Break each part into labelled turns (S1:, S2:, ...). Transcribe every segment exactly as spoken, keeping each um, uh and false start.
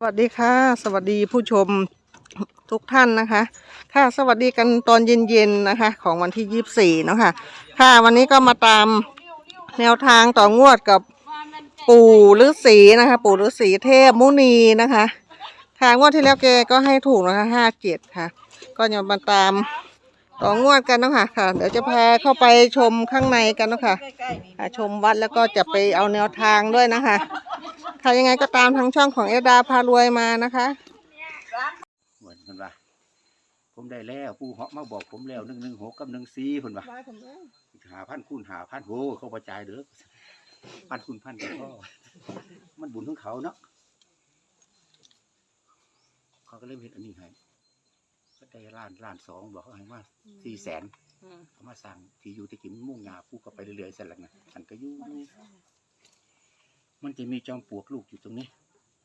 S1: สวัสดีค่ะสวัสดีผู้ชมทุกท่านนะคะค่ะสวัสดีกันตอนเย็นๆนะคะของวันที่ยี่สิบสี่เนาะค่ะค่ะวันนี้ก็มาตามแนวทางต่องวดกับปู่ฤาษีนะคะปู่ฤาษีเทพมุนีนะคะค่ะงวดที่แล้วแกก็ให้ถูกนะคะห้าเจ็ดค่ะก็จะมาตามต่องวดกันเนาะค่ะค่ะเดี๋ยวจะพาเข้าไปชมข้างในกันเนาะค่ะชมวัดแล้วก็จะไปเอาแนวทางด้วยนะคะค่ะยังไงก็ตามทางช่องของเอดาพารวยมานะคะ
S2: เหมือนกันว่าผมได้แล้วผู้เหาะมาบอกผมแล้วหนึ่งหนึ่งหกกับหนึ่งสี่คนว่าหาพันคูณหาพันโหเขาประจายเด้อพันคูณพันกันก็มันบุญของเขาเนาะเขาก็เริ่มเห็นอันนี้ให้ก็ได้ล้านล้านสองบอกเขาให้มาสี่แสนเขามาสั่งที่อยู่ที่กินมุ่งงาผู้ก็ไปเรื่อยๆสั่นละนะสั่นก็อยู่มันจะมีจอมปลวกลูกอยู่ตรงนี้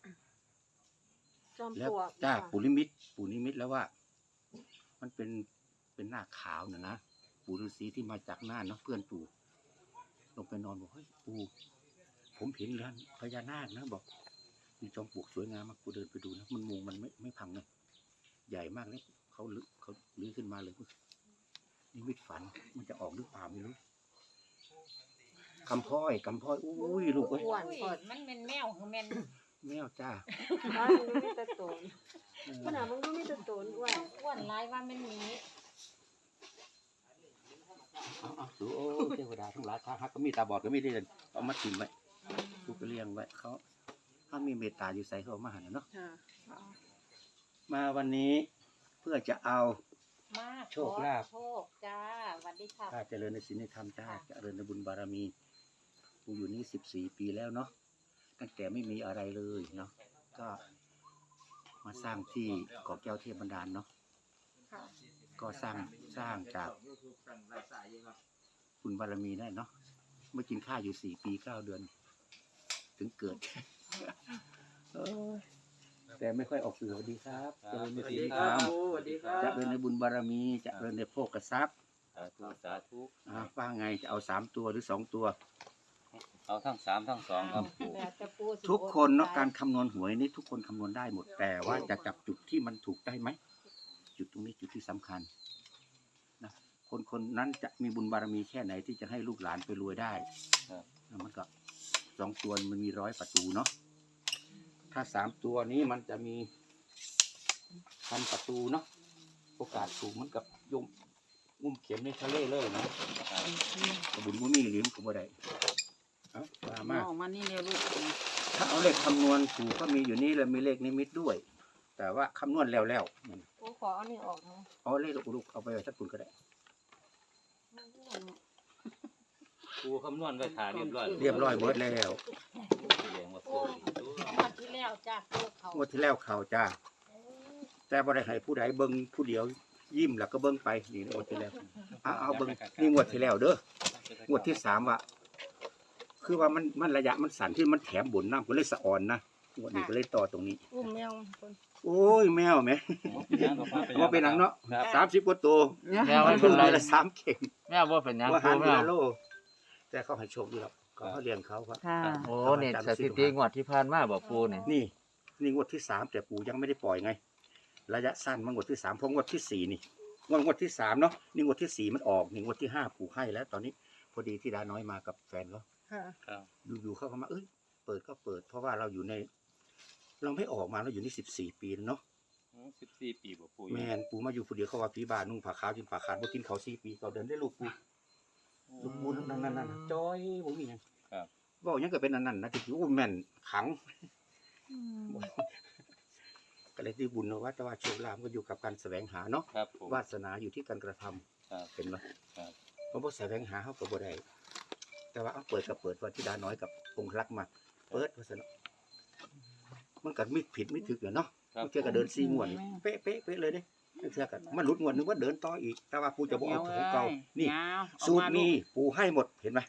S2: แล้วจ้าปูนิมิตปูนิมิตแล้วว่ามันเป็นเป็นหน้าขาวน่ะนะปู่ฤาษีที่มาจากน่านเนาะเพื่อนปู่ลงไปนอนบอกเฮ้ยปู่ผมเห็นแล้วพญานาคนะบอกมีจอมปลวกสวยงามมากปู่เดินไปดูนะมันมุงมันไม่ไม่พังเลยใหญ่มากเลยเขาลื้อเขาลื้อขึ้นมาเลยนี่มิตฝันมันจะออกหรือเปล่าไม่รู้คำพ้อยคำพ้อยอุ้ยลูกเอ้ย
S3: มันเป็นแมวคือแมน
S2: แมวจ้า
S4: มันดูมีแต่โตนมันอ่ะมันดูมีแต่โตนอ้วน
S3: อ้วนร้ายว่ามันมี
S2: เอาเอาดูโอ้เทวดาทั้งหลายข้าฮักก็มีตาบอดก็มีได้เลยเอามาถิ่มไว้ลูกก็เลี้ยงไว้เขาถ้ามีเมตตาอยู่ใส่เขามาหันเนาะมาวันนี้เพื่อจะเอาโชคลาภ
S3: โชคจ้าวันดีค่ะ
S2: ข้าเจริญในศีลในธรรมจ้าเจริญในบุญบารมีกูอยู่นี่สิบสี่ปีแล้วเนาะตั้งแต่ไม่มีอะไรเลยเนาะก็มาสร้างที่เกาะแก้วเทพบันดาลเนาะก็สร้างสร้างจากบุญบารมีได้เนาะเมื่อกินข้าวอยู่สี่ปีเก้าเดือนถึงเกิดแต่ไม่ค่อยออกสื่อสวัสดีครับเจริญในศีลในธรรมจะเริญในบุญบารมีจะเริญในโภคทรัพย์
S5: สาธุสาธุ
S2: ว่าไงจะเอาสามตัวหรือสองตัว
S5: เอาทั้งสามทั้งสองครับ
S2: ทุกคนเนาะการคำนวณหวยนี่ทุกคนคำนวณได้หมดแต่ว่าจะจับจุดที่มันถูกได้ไหมจุดตรงนี้จุดที่สำคัญนะคนคนนั้นจะมีบุญบารมีแค่ไหนที่จะให้ลูกหลานไปรวยได้มันก็สองตัวมันมีร้อยประตูเนาะถ้าสามตัวนี้มันจะมีพันประตูเนาะโอกาสถูกมันกับยุ่มงุ่มเข็มในทะเลเลยนะบุญมุมีหรือมันก็บ่ได้เอามามาก
S4: มานี่เร็วลูก
S2: ถ้าเอาเลขคำนวณถูกก็มีอยู่นี่แล้วมีเลขนิมิตด้วยแต่ว่าคำนวณแล้วแล้ว
S4: โอ้ขอเอานี่ออกนะ
S2: เอาเลขลูกเอาไปไว้สักคุณก็ได้
S5: ครูคำนวณไว้ถ่ายเรียบร้อย
S2: เรียบร้อยหมดแล้ว
S3: งวดที่แล้วจ้าง
S2: วดที่แล้วเขาจ้าแต่บ่ได้ให้ผู้ใดเบิ้งผู้เดียวยิ้มแล้วก็เบิ้งไปนี่งวดที่แล้วเอาเอาเบิ้งนี่งวดที่แล้วเด้องวดที่สามว่ะคือว่ามันมันระยะมันสั่นที่มันแถมบุญน้ำก็เลยสะอ่อนนะงวดนี้ก็เลยต่อตรงนี้
S4: อุ้มแมว
S2: โอ้ยแมวไหมว่าเป็นหนังเนาะสามสิบกว่าตัว
S5: แมว
S2: มันเป็นอะไรละสามเข่ง
S5: แมวว่าเป็นยัง
S2: ว่าหันแมวโลแต่เขาให้โชคดีแล้วเขาเลี้ยงเขาครับ
S5: โอ้เนี่ยสถิติงวดที่ผ่านมาบอกปูเนี่ย
S2: นี่นี่งวดที่สามแต่ปูยังไม่ได้ปล่อยไงระยะสั้นมันงวดที่สามเพราะงวดที่สี่นี่งวดงวดที่สามเนาะนี่งวดที่สี่มันออกนี่งวดที่ห้าปูให้แล้วตอนนี้พอดีที่ดาน้อยมากับแฟนเขาอยู่ๆเขาเข้ามาเอ้ยเปิดก็เปิดเพราะว่าเราอยู่ในเราไม่ออกมาเราอยู่นี่สิบสี่ปีเนาะ
S5: สิบสี่ปีบอกปู
S2: แมนปูมาอยู่ผู้เดียวเขาว่าผีบานุ่งผ้าขาวจินผ้าขาดบ่กินเขาสี่ปีเขาเดินได้ลูกปูลูกปูนั่นนั่นนั่นจอยผมมีอย่างบอกยังเกิดเป็นนั่นนั่นนะที่อู้แม่นขังก็เลยที่บุญนะว่าแต่ว่าโชคลาภก็อยู่กับการแสวงหาเนาะวาสนาอยู่ที่การกระทำเป็นไหมเพราะว่าแสวงหาเขาก็บ่ได้แต่ว่าเอาเปิดกับเปิดวันที่ดาน้อยกับองค์รักมาเปิดวาสนามันกัดมิดผิดไม่ถึกเนาะเชื่อกับเดินซีงวนเป๊ะเป๊ะเป๊ะเลยเด้เชื่อกันมันหลุดงวนนึกว่าเดินต่ออีกแต่ว่าปูจะบอกเอาของเก่านี่สูตรนี้ปูให้หมดเห็นไหม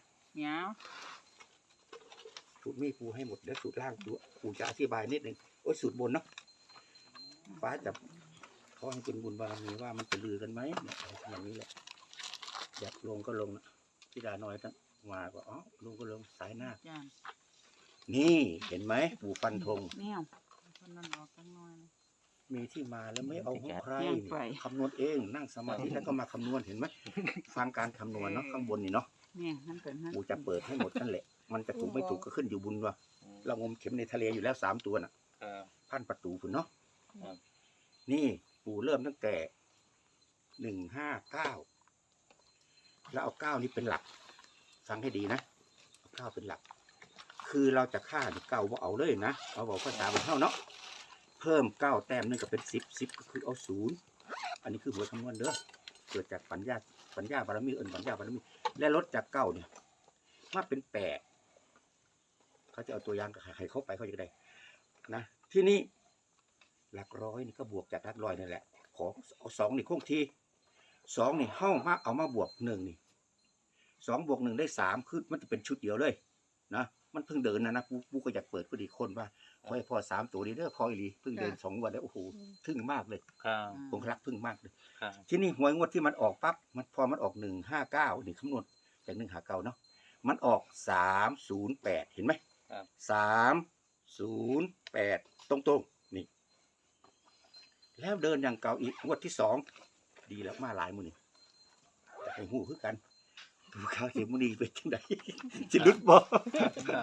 S2: สูตรนี้ปูให้หมดเดี๋ยวสูตรล่างปูปูจะอธิบายนิดนึงโอ้สูตรบนเนาะฟ้าจะเขาให้เป็นบุญบารมีว่ามันจะลือกันไหมเนี่ยอย่างนี้แหละอยากลงก็ลงนะที่ดาน้อยตั้งมาก็อ๋อลงก็ลงสายหน้านี่เห็นไหมปูฟันธง
S4: นั่นออกตั้งน้อยนะ
S2: มีที่มาแล้วไม่เอาของใคร
S4: แย่งไป
S2: คำนวณเองนั่งสมาธิแล้วก็มาคำนวณเห็นไหมฟังการคำนวณเนาะข้างบนนี่เนาะ
S4: เนี่ยนั่นเป็นนั่น
S2: กูจะเปิดให้หมดนั่นแหละ มันจะถูกไม่ถูกก็ขึ้นอยู่บุญว่าเรางมเข็มในทะเลอยู่แล้วสามตัวน่ะ
S5: ครับ
S2: พันประตูคุณเนาะ
S5: ครับ
S2: นี่ปู่เริ่มตั้งแต่หนึ่งห้าเก้าแล้วเอาเก้านี่เป็นหลัก ฟังให้ดีนะเอาเก้าเป็นหลัก คือเราจะฆ่าเนี่ยเก้าว่าเอาเลยนะเอาบอกภาษาบนเท่าเนาะเพิ่มเก้าแต้มนึงก็เป็นสิบสิบก็คือเอาศูนย์อันนี้คือหัวคำนวณเด้อเกิดจากปัญญาปัญญาบารมีเอิญปัญญาบารมีและลดจากเก้าเนี่ยมาเป็นแปดเขาจะเอาตัวอย่างกับใครเข้าไปเขาจะได้นะที่นี่หลักร้อยนี่ก็บวกจากหลักร้อยนั่นแหละขอเอาสองนี่คงที่สองนี่เข้ามาเอามาบวกหนึ่งนี่สองบวกหนึ่งได้สามคือมันจะเป็นชุดเดียวเลยนะมันเพิ่งเดินนะนะปูปูก็อยากเปิดพอดีคนว่าขอให้พอสามตัวนี้เด้อพออีหลีเพิ่งเดินสองวันแล้วโอ้โหทึ่งมากเลย
S5: ครับ
S2: ผมรักพึ่งมากเลย
S5: ครับ
S2: ที่นี่หวยงวดที่มันออกปั๊บมันพอมันออกหนึ่งห้าเก้านี่คำนวณจากหนึ่งหาเก้าเนาะมันออกสามศูนย์แปดเห็นไหม
S5: ครับ
S2: สามศูนย์แปดตรงตรงๆนี่ แล้วเดินอย่างเก่าอีกงวดที่สองดีแล้วมาหลายมือนี่จะให้หูคือกันดูข้าวเสียมุนีเป็นจังได จะลุดบ่
S5: ครับ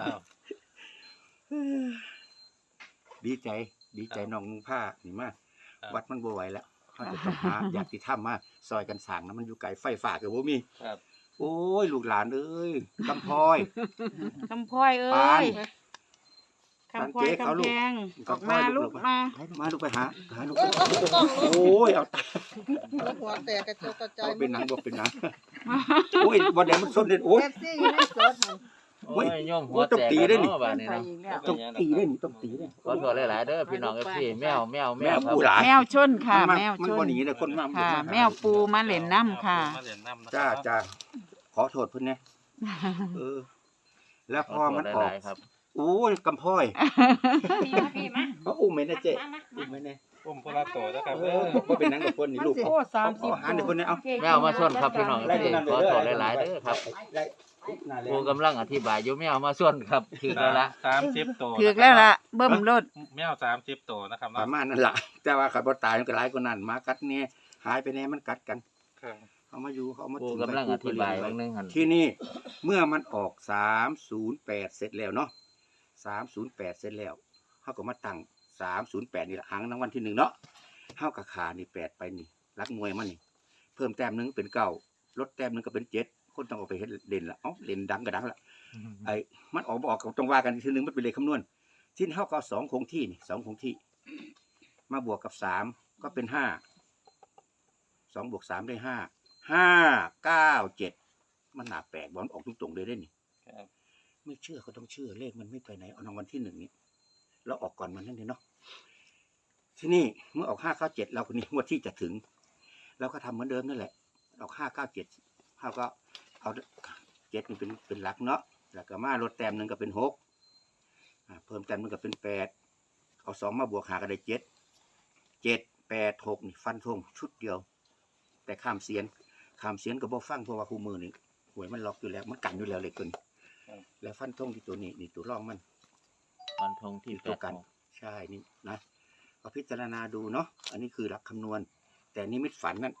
S2: ดีใจดีใจน้องนุ่งผ้านี่มาก
S5: ครับ
S2: วัดมันบ่ไหวแล้วเขาจะต้องหา อยากติดถ้ำมาซอยกันสั่งนะมันอยู่ไกลไฟฝากกับบ่มี
S5: ครับ
S2: โอ้ยลูกหลานเอ้ยกำพร้อย
S4: คำพลอยเอ้
S2: ปาน
S4: ยคำพลอย
S2: ปานเจ๊เขา
S4: คำ
S2: ลูก
S4: แพงออก
S2: กำพร้
S4: มา
S2: อย
S4: ลูกมา
S2: มาลูกไปหาหาลูกโอ้ยเอาตาย
S1: แล้วหัวแตกกระจกกระจา
S2: เอา
S1: ย
S2: เป็นหนังบอกเป็นหนังโอ้ยวันเดียวมันส้นเด็ดโอ้ย
S1: เอฟซีอยู่ในสดหั่น
S5: โอ้ยโยมหัว
S2: โอ้ยต้อง
S5: แตก
S2: ตีได้นี่
S5: เนาะบาดนี้
S4: ไป
S5: เนาะ
S4: อีกแล้ว
S2: ต้องตีเล่นต้องตีเล่น
S5: ขอโทษหลายๆเด้อพี่น้องเอฟซีแมวแมวแม
S2: แม่
S5: วครับ
S2: ผู้หลาย
S4: แมวชนค่ะ
S2: มัน
S4: แมว
S2: มัน
S4: ช
S2: บ่
S4: น
S2: หนีเลยคนมา
S4: ค่ะ
S2: มาหา
S4: แมวปูมาเล่นน้ำค่ะ
S5: มาเล่นน้ำนะ
S2: จ้าจ้าขอโทษเพิ่นเนี่ยเออ แล้ว
S5: ข
S2: พ
S5: อ
S2: อ
S5: โท
S2: มั
S5: ษ
S2: น
S5: ห
S2: ออก
S5: ลายๆครับ
S2: โอ้ยกำพร้อย
S3: พี่มาพี่มา
S2: เขาอุ้มไหมนะเจ๊
S3: มามา
S2: อุ้มไหมเนี่ย
S5: อุ้มพลาโตนะครับ
S2: เออบอกว่าเป็นหนังกับคนนี่ลูก
S4: โอ้สามสิบ
S2: เอาหาหนึ่งคนเนี่ยเอา
S5: แมวมาชนครับพี่น้องเอฟซีขอโทษหลายๆเด้อครับ
S2: ได้น่าแรง
S5: กูกำลังอธิบายอยู่แมวมาส่วนครับถึงแล้วละ
S6: สามสิบตัว
S4: ถือกแล้วล่ะ เบิ่มรถ
S6: แมวสามสิบตัวนะครับ
S2: ป
S6: เนาะ
S2: ระมาณนั่นแหละแต่ว่าขับรถตายมันก็หลายกว่านั้นหมากัดเนี่ยหายไปแน่มันกัดกัน
S6: ครับ
S2: เขามาอยู่เขาเอามา
S5: กู
S2: ทิ้ง
S5: กำลังอธิบาย
S2: ไว้
S5: บางนึงหัน
S2: ที่นี่เมื่อมันออกสามศูนย์แปดเสร็จแล้วเนาะสามศูนย์แปดเสร็จแล้วเขาก็มาตั้งสามศูนย์แปดนี่ละหางรางวัลที่หนึ่งเนาะเขากับขานี่แปดไปนี่รักมวยมันนี่เพิ่มแต้มหนึงเป็นเก้าลดแต้มหนึงก็เป็นเจ็ดคนต้องเอาไปเฮ็ดเด่นละเอ้าเด่นดังก็ดังละ ไอ้มันออกบ่ออกก็ต้องว่ากันอีกทีหนึงมันเป็นเลขคำนวณที่เท่ากับสองคงที่นี่สองคงที่ มาบวกกับสามก็เป็นห้าสองบวกสามได้ห้าห้าเก้าเจ็ดมันหนาแปลกบอลออกตรงๆเลยได้นี่
S5: ครับ
S2: ไม่เชื่อก็ต้องเชื่อเลขมันไม่ไปไหนเอารางวัลที่หนึ่งนี่เราออกก่อนมันนั่นเองเนาะที่นี่เมื่อออกห้าเก้าเจ็ดเราคนนี้งวดที่จะถึงเราก็ทำเหมือนเดิมนั่นแหละออกห้าเก้าเจ็ดเขาก็เอาเจ็ดนี่เป็นเป็นหลักเนาะแล้วก็มาลดแต้มหนึ่งก็เป็นหกอ่าเพิ่มแต้มหนึ่งก็เป็นแปดเอาสองมาบวกหาก็ได้เจ็ดเจ็ดแปดหกนี่ฟันธงชุดเดียว แต่ข้ามเสียนข้ามเสียนก็บ่ฟังเพราะว่าคู่มือนี่หวยมันล็อกอยู่แล้วมันกันอยู่แล้วเลยตัวนี้แล้วฟันธงที่ตัวนี้นี่ตัวร่องมัน
S5: วันทงที่
S2: ที่
S5: แป
S2: ตัว
S5: ด
S2: กัน
S5: หก
S2: ใช่นี่นะก็พิจารณาดูเนาะอันนี้คือหลักคำนวณ แต่นิมิตฝันนั่น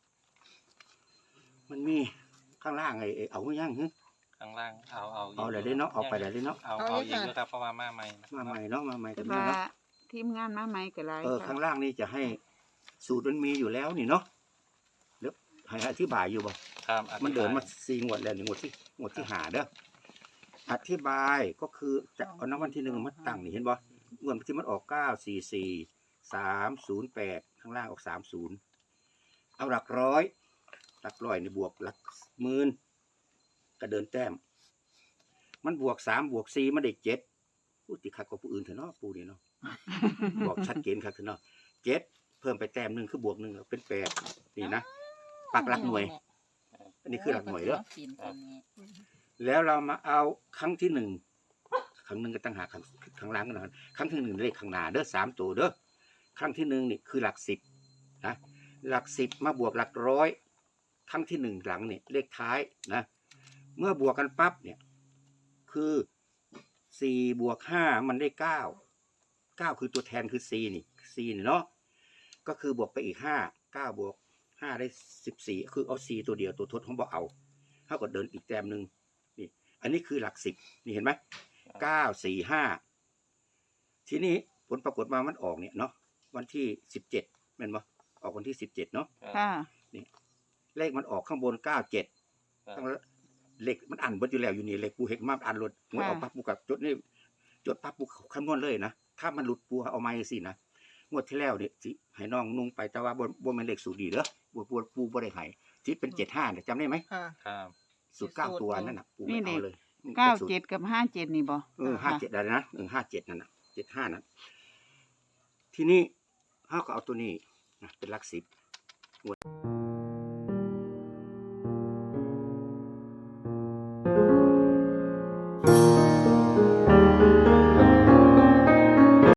S2: มันมีข้างล่างไอ้ไอ้เอาไม่ยั่งฮึ
S6: ข้างล่างเอาเอา
S2: เอาเลยได้เนาะเอาไปเลยได้เนาะ
S6: เอาเอาอีกด้วยครับเพราะว่ามาใหม่นะ
S2: มาใหม่เนาะมาใหม่
S4: แต่
S2: กัน
S4: ว่า
S2: เนาะ
S4: ทีมงานมาใหม่ก็หลาย
S2: เออ
S4: ค่ะ
S2: ข้างล่างนี่จะให้สูตรมันมีอยู่แล้วนี่เนาะเดี๋ยวให้อธิบายอยู่บ่
S6: ครับ
S2: มันเดินมาสี่งวดแล้วนี่งวดที่งวดที่หาเด้ออธิบายก็คือจะเอาน้ำวันที่หนึ่งมาตั้งนี่เห็นบ่งวดที่มันออกเก้าสี่สี่สามศูนย์แปดข้างล่างออกสามศูนย์เอาหลักร้อยหลักร้อยนี่บวกหลักหมื่นก็เดินแต้ม มันบวกสามบวกสี่มันได้เจ็ดพูดติคักกว่าผู้อื่นเถอะเนาะปูนี่เนาะ บอกชัดเจนครับเถอะเนาะเจ็ดเพิ่มไปแต้มหนึ่งคือบวกหนึ่งเป็นแปดนี่นะปักหลักหน่วย อันนี้คือหลักหน่วยเด้อ แล้วเรามาเอาครั้งที่หนึ่งครั้งหนึ่งก็ตั้งหาครั้งครั้งล่างกันนะครั้งที่หนึ่งเลขข้างหน้าเด้อสามตัวเด้อครั้งที่หนึ่งนี่คือหลักสิบนะหลักสิบมาบวกหลักร้อยครั้งที่หนึ่งหลังเนี่ยเลขท้ายนะเมื่อบวกกันปั๊บเนี่ยคือสี่บวกห้ามันได้เก้าเก้าคือตัวแทนคือ c นี่ c นี่เนาะก็คือบวกไปอีกห้าเก้าบวกห้าได้สิบสี่คือเอา c ตัวเดียวตัวทดของบ่เอาเท่ากับเดินอีกแต้มหนึ่งนี่อันนี้คือหลักสิบนี่เห็นไหมเก้าสี่ห้าทีนี้ผลปรากฏมามันออกเนี่ยเนาะวันที่สิบเจ็ดแม่นบ่ออกวันที่สิบเจ็ดเนาะ
S7: ค่ะ
S2: เลขมันออกข้างบนเก้าเจ็ดตั้งเลขมันอันเบิดอยู่แล้วอยู่นี่เลขปูเห็นมาอันหลุดหวยออกปั๊บปูกับจดนี่จดปั๊บปูคำนวณเลยนะถ้ามันหลุดปูเอาไม้สินะงวดที่แล้วเนี่ยสิให้น้องนุ่งไปแต่ว่าบนบนมันเลขสูตรดีเด้อปูปูปูบ่ได้ให้ที่เป็นเจ็ดห้าเนี่ยจำได้ไหม
S1: ค่ะ
S6: ครับ
S2: สูตรเก้าตัวนั่นน่ะปูไม่เอาเลย
S7: เก้าเจ็ดกับห้าเจ็ดนี่บ่
S2: เออห้าเจ็ดอะไรนะเออห้าเจ็ดนั่นน่ะเจ็ดห้านั้นทีนี้เขาก็เอาตัวนี้นะเป็นหลักสิบงวด